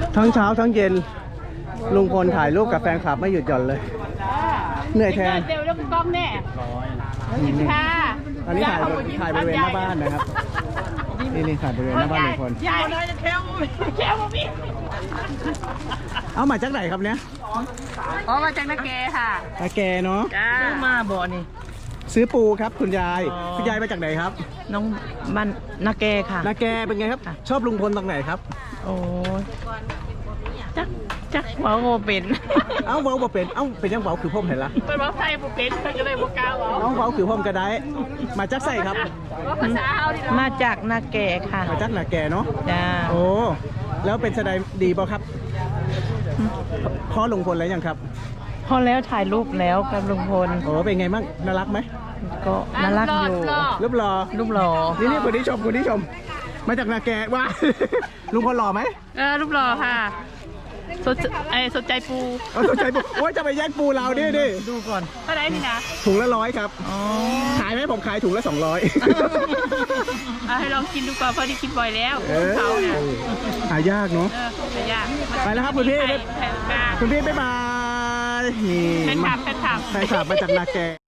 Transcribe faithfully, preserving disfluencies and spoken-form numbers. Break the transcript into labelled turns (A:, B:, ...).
A: ทั้งเช้าทั้งเย็นลุงพลถ่ายรูปกับแฟนคลับไม่หยุดหย่อนเลยเหนื่อยแทน
B: เดี๋ยวเรื่องกล้องแน่ค่ะ
A: อันนี้ถ่ายถ่ายบริเวณหน้าบ้านนะครับนี่นี่ถ่ายบริเวณหน้าบ้านลุงพล
B: ยายน้อยจะแค่แค่พี่
A: เอามาจากไหนครับเนี้ย
B: อ๋อมาจากนาเกค่ะ
A: ตาแกเนาะ
B: จ้ามาบ่อนี่
A: ซื้อปูครับคุณยาย
B: อ๋อ
A: คุณยายมาจากไหนครับ
B: น้องบ้านนาเกค่ะ
A: นาแกเป็นไงครับ ชอบลุงพลตรงไหนครับ
B: โอ้จักจักเว้าโมเป็น
A: เอ้าเว้าบ่เป็นเอ้าเป็นยังเว้าคือพ่มเห็นละ
B: เป็นว่าไทยบ่เป็นก็เลยบ่กล้าเว้า
A: เอ้าเว้าคือพ่มก็ได้มาจากใส่ครับ
B: ภาษาเฮาดิมาจากนาเกค่ะ
A: มาจากนาแกเนาะ
B: จ้า
A: โอ้แล้วเป็นแสดงดีป่ะครับพ่อลุงพลแล้วยังครับ
B: พอแล้วถ่ายรูปแล้วกับลุงพล
A: โอ้เป็นไงบ้างน่ารักไหม
B: ก็น่ารักอยู่
A: รูปหล่อ
B: รูปหล่อ
A: นี่นี่คนที่ชมคนที่ชม มาจากนาแกว่า ลุงพลหล่อไหม
B: เออรูปหล่อค่ะสนใจไอ้สนใจปู
A: เอาสนใจปูโอ้ยจะไปแย่งปูเราดิดิ
B: ดูก่อนเท่าไหร่นี่นะ
A: ถุงละร้อยครับ
B: อ๋อ
A: ขายไหมผมขายถุงละสองร้อย
B: เอาให้ลองกินดูก่อนเพราะที่กินบ่อยแล้ว
A: เออ
B: เขาเนี่ย
A: หายากเนาะ
B: เออไม่ยาก
A: ไปแล้วครับคุณพี่
B: แผ่นกลาง
A: คุณพี่บ๊ายบายนี่
B: แผ่นขับแผ่นขับ
A: แฟนคลับมาจากนาแก